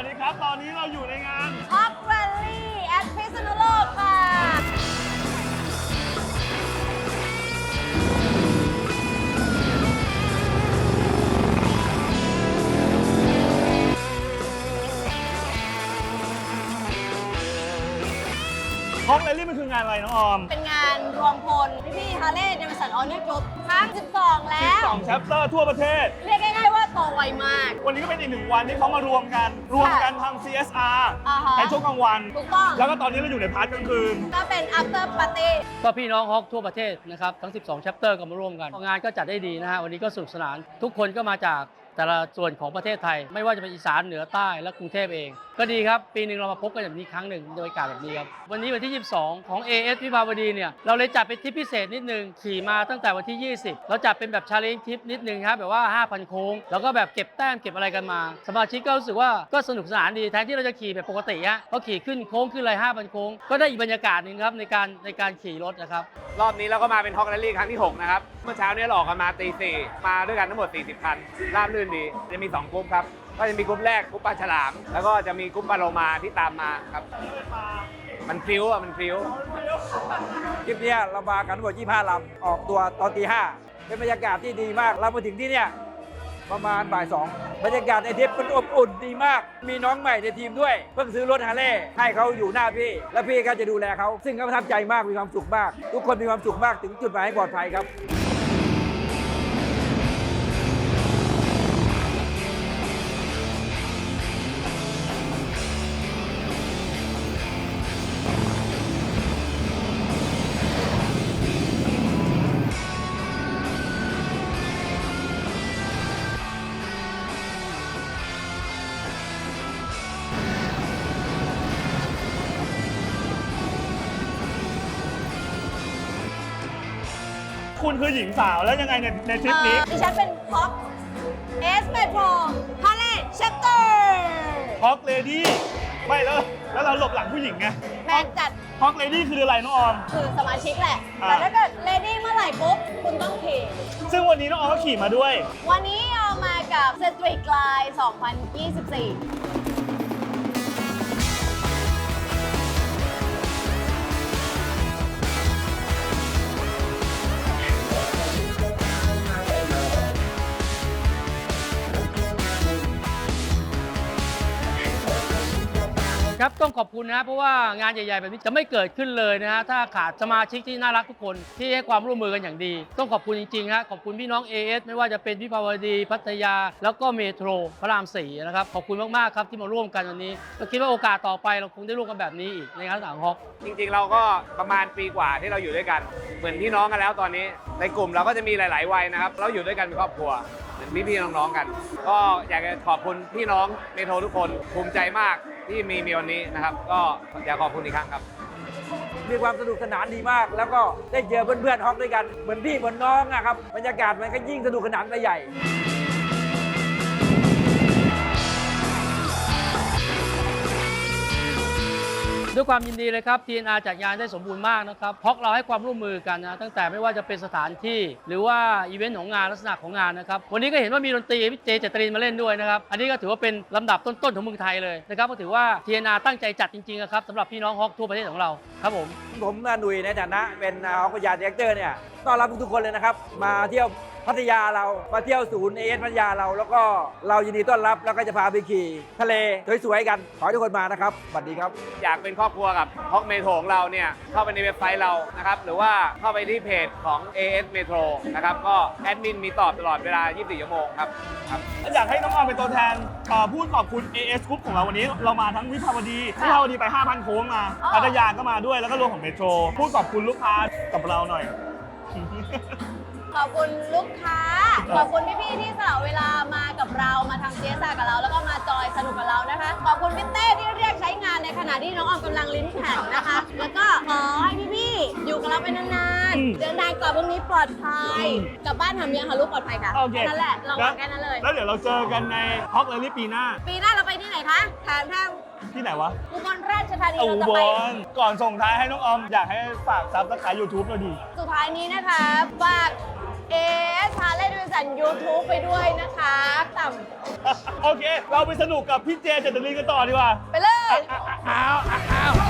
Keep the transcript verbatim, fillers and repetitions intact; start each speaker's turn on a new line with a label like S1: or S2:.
S1: วัสดีครับตอนนี้เราอยู่ในงาน
S2: Hawk Rally at พิษณุโลกค่ะ
S1: ฮอกแรลลี่มันคืองานอะไรน้องออม
S2: เป็นงานรวมพลพี่ๆฮาร์เลย์เดวิสันออเนอร์กรุ๊ปครั้งสิบสองแล้ว
S1: สิบสอง chapter ทั่วประเทศ
S2: เรียกง่ายๆว่าโตไวมาก
S1: วันนี้ก็เป็นอีกหนึ่งวันที่เขามารวมกัน รวมกันทำ ซี เอส อาร์
S2: อ่าฮะ
S1: ในช่วงกลางวัน
S2: ถูกต้อง
S1: แล้วก็ตอนนี้เราอยู่ในพาร์ทกลางคืน
S2: ก็เป็น after party
S3: ก็พี่น้องฮอกทั่วประเทศนะครับทั้ง สิบสอง chapter ก็มาร่วมกันงานก็จัดได้ดีนะฮะวันนี้ก็สนุกสนาน ทุกคนก็มาจากแต่ละส่วนของประเทศไทย ไม่ว่าจะเป็นอีสานเหนือใต้และกรุงเทพเอง ก็ดีครับ ปีหนึ่งเรามาพบกันแบบนี้ครั้งหนึ่งโดยการแบบนี้ครับวันนี้วันที่ ยี่สิบสอง ของ เอ เอส วิภาวดีเนี่ยเราเลยจัดเป็นทริปพิเศษนิดนึงขี่มาตั้งแต่วันที่ ยี่สิบเราจัดเป็นแบบชาเลนจ์ทริปนิดนึงครับแบบว่า ห้าพัน โค้งแล้วก็แบบเก็บแต้มเก็บอะไรกันมา สมาชิกก็รู้สึกว่าก็สนุกสนานดีแทนที่เราจะขี่แบบปกติฮะก็ขี่ขึ้นโค้งขึ้นอะไร ห้าพัน โค้งก็ได้อีกบรรยากาศหนึงครับในการในการขี่รถนะครับ
S4: รอบนี้เราก็มาเป็นฮอกแรลลี่ครั้งที่ หก นะครับ เมื่อเช้านี้เราออกกันมาตีสี่มาด้วยกันทั้งหมด สี่สิบ คัน ราบรื่นดี จะมี สอง กลุ่มครับ ก็จะมีกลุ่มแรกกลุ่มปลาฉลาม แล้วก็จะมีกลุ่มปลาโลมาที่ตามมาครับ มันฟิวอ่ะ มันฟิว
S5: ทริปเนี้ยเรามากันทั้งหมดยี่สิบห้าลำออกตัวตอนตีห้าเป็นบรรยากาศที่ดีมาก เรามาถึงที่เนี่ยประมาณบ่ายสองบรรยากาศในทริปมันอบอุ่นดีมาก มีน้องใหม่ในทีมด้วย เพิ่งซื้อรถฮาร์เลย์ให้เขาอยู่หน้าพี่ แล้วพี่ก็จะดูแลเขา ซึ่งเขาประทับใจมากมีความสุขมาก ทุกคนมีความสุขมากถึงจุดหมายให้ปลอดภัยครับ
S1: คุณคือหญิงสาวแล้วยังไงในในทริปนี้
S2: เอ่อดิฉันเป็น Hawk S Metro Harley Chapter
S1: ฮอกเลดี้ไม่แล้วแล้วเราหลบหลังผู้หญิงไง
S2: แม่งจัด
S1: ฮอกเลดี้คืออะไรน้องออม
S2: คือสมาชิกแหละ
S1: อ่า
S2: แต่ถ้าเกิดเลดี้เมื่อไหร่ปุ๊บ คุณต้องขี่
S1: ซึ่งวันนี้น้องออมก็ขี่มาด้วย
S2: วันนี้เอามากับ Street Glide สองพันยี่สิบสี่
S3: ครับต้องขอบคุณนะเพราะว่างานใหญ่ๆแบบนี้จะไม่เกิดขึ้นเลยนะฮะถ้าขาดสมาชิกที่น่ารักทุกคนที่ให้ความร่วมมือกันอย่างดี ต้องขอบคุณจริงๆฮะขอบคุณพี่น้อง เอ เอส ไม่ว่าจะเป็นวิภาวดีพัทยา แล้วก็เมโทรพระรามสี่นะครับขอบคุณมากๆครับที่มาร่วมกันวันนี้เราคิดว่าโอกาสต่อไปเราคงได้ร่วมกันแบบนี้อีกในงานต่างฮอก
S4: จริงๆ เราก็ประมาณปีกว่าที่เราอยู่ด้วยกัน เหมือนพี่น้องกันแล้วตอนนี้ ในกลุ่มเราก็จะมีหลาย ๆ วัยนะครับ เราอยู่ด้วยกันเป็นครอบครัว เหมือนพี่ๆ น้องๆ กัน ก็อยากจะขอบคุณพี่น้องเมโทรทุกคนภูมิใจมากที่มีมีวันนี้นะครับ ก็อยากขอบคุณอีกครั้งครับ
S5: มีความสนุกสนานดีมาก แล้วก็ได้เจอเพื่อนๆฮอกด้วยกัน เหมือนพี่เหมือนน้องอะครับ บรรยากาศมันก็ยิ่งสนุกสนานไปใหญ่
S3: ด้วยความยินดีเลยครับ ที เอ็น อาร์ จัดงานได้สมบูรณ์มากนะครับเพราะเราให้ความร่วมมือกันนะตั้งแต่ไม่ว่าจะเป็นสถานที่ หรือว่าอีเวนต์ของงานลักษณะของงานนะครับวันนี้ก็เห็นว่ามีดนตรีพี่เจเจตรินมาเล่นด้วยนะครับอันนี้ก็ถือว่าเป็นลำดับต้นๆของเมืองไทยเลยนะครับก็ถือว่า ที เอ็น อาร์ ตั้งใจจัดจริงๆนะครับสำหรับพี่น้องฮอกทั่วประเทศของเราครับผม
S5: ผมหนุ่ยในฐานะเป็นฮอกพยาดีเรคเตอร์เนี่ยต้อนรับทุกๆคนเลยนะครับ มาเที่ยวพัทยาเรามาเที่ยวศูนย์เอเอสพัทยาเรา แล้วก็เรายินดีต้อนรับแล้วก็จะพาไปขี่ทะเลสวยๆกันขอให้ทุกคนมานะครับสวัสดีครับ
S4: อยากเป็นครอบครัวกับฮอกเมโทรของเราเนี่ยเข้าไปในเว็บไซต์เรานะครับหรือว่าเข้าไปที่เพจของ เอ เอส Metro นะครับก็แอดมินมีตอบตลอดเวลา ยี่สิบสี่ ชั่วโมงครับครับ
S1: อยากให้น้องออมเป็นตัวแทนเอ่อพูดขอบคุณ เอ เอส Group ของเราวันนี้เรามาทั้งวิภาวดีวิภาวดีไป ห้าพัน โค้งมา
S2: อ๋อ
S1: พัทยาก็มาด้วยแล้วก็รวมของเมโทรพูดขอบคุณลูกค้ากับเราหน่อย
S2: ขอบคุณลูกค้า ขอบคุณพี่ๆที่สละเวลามากับเรามาทำ ซี เอส อาร์ กับเรา แล้วก็มาจอยสนุกกับเรานะคะ ขอบคุณพี่เต้ที่เรียกใช้งานในขณะที่น้องออมกำลังลิ้นแข็งนะคะ แล้วก็ขอให้พี่ๆอยู่กับเราไปนาน
S1: อืม
S2: ๆเดินทางกลับวันนี้ปลอดภัย
S1: อืม
S2: กลับบ้านทำยังคะลูกปลอดภัยค่ะ
S1: โอเค
S2: แค่นั้นแหละเราหวังแค่นั้นเลย
S1: แล้วเดี๋ยวเราเจอกันในฮอกเลลี่ปีหน้า
S2: ปีหน้าเราไปที่ไหนคะถามทาง
S1: ที่ไหนวะ
S2: อุบลราชธานี
S1: อุ
S2: เราจะ
S1: บ
S2: ไป
S1: ลก่อนส่งท้ายให้น้องออม อยากให้ฝากซับสไครต์ยูทูบเราดี
S2: สุดท้ายนี้นะคะฝากเอสฮาร์เลย์ดิวิสันยูทูบไปด้วยนะคะต่ำ
S1: โอเค เราไปสนุกกับพี่เจเจตลินกันต่อดีกว่า
S2: ไปเลย
S1: อ้าวอ้าว